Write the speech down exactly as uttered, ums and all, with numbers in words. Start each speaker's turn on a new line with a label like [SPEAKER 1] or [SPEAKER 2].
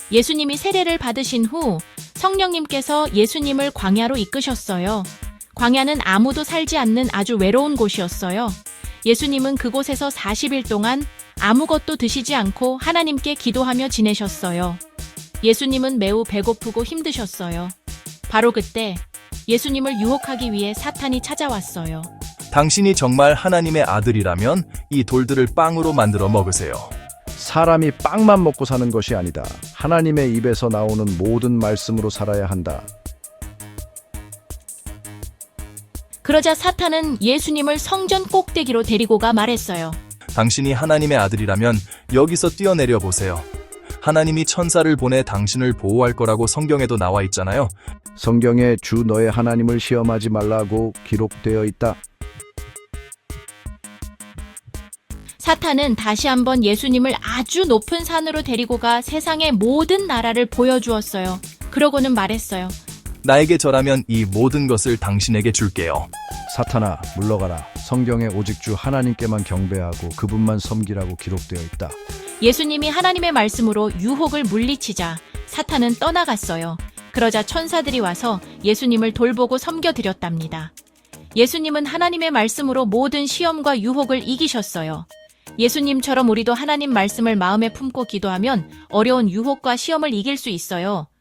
[SPEAKER 1] 예수님이 세례를 받으신 후 성령님께서 예수님을 광야로 이끄셨어요. 광야는 아무도 살지 않는 아주 외로운 곳이었어요. 예수님은 그곳에서 사십 일 동안 아무것도 드시지 않고 하나님께 기도하며 지내셨어요. 예수님은 매우 배고프고 힘드셨어요. 바로 그때 예수님을 유혹하기 위해 사탄이 찾아왔어요.
[SPEAKER 2] 당신이 정말 하나님의 아들이라면 이 돌들을 빵으로 만들어 먹으세요.
[SPEAKER 3] 사람이 빵만 먹고 사는 것이 아니다. 하나님의 입에서 나오는 모든 말씀으로 살아야 한다.
[SPEAKER 1] 그러자 사탄은 예수님을 성전 꼭대기로 데리고 가 말했어요.
[SPEAKER 2] 당신이 하나님의 아들이라면 여기서 뛰어내려 보세요. 하나님이 천사를 보내 당신을 보호할 거라고 성경에도 나와 있잖아요.
[SPEAKER 3] 성경에 주 너의 하나님을 시험하지 말라고 기록되어 있다.
[SPEAKER 1] 사탄은 다시 한번 예수님을 아주 높은 산으로 데리고 가 세상의 모든 나라를 보여주었어요. 그러고는 말했어요.
[SPEAKER 2] 나에게 절하면 이 모든 것을 당신에게 줄게요.
[SPEAKER 3] 사탄아, 물러가라. 성경에 오직 주 하나님께만 경배하고 그분만 섬기라고 기록되어 있다.
[SPEAKER 1] 예수님이 하나님의 말씀으로 유혹을 물리치자 사탄은 떠나갔어요. 그러자 천사들이 와서 예수님을 돌보고 섬겨드렸답니다. 예수님은 하나님의 말씀으로 모든 시험과 유혹을 이기셨어요. 예수님처럼 우리도 하나님 말씀을 마음에 품고 기도하면 어려운 유혹과 시험을 이길 수 있어요.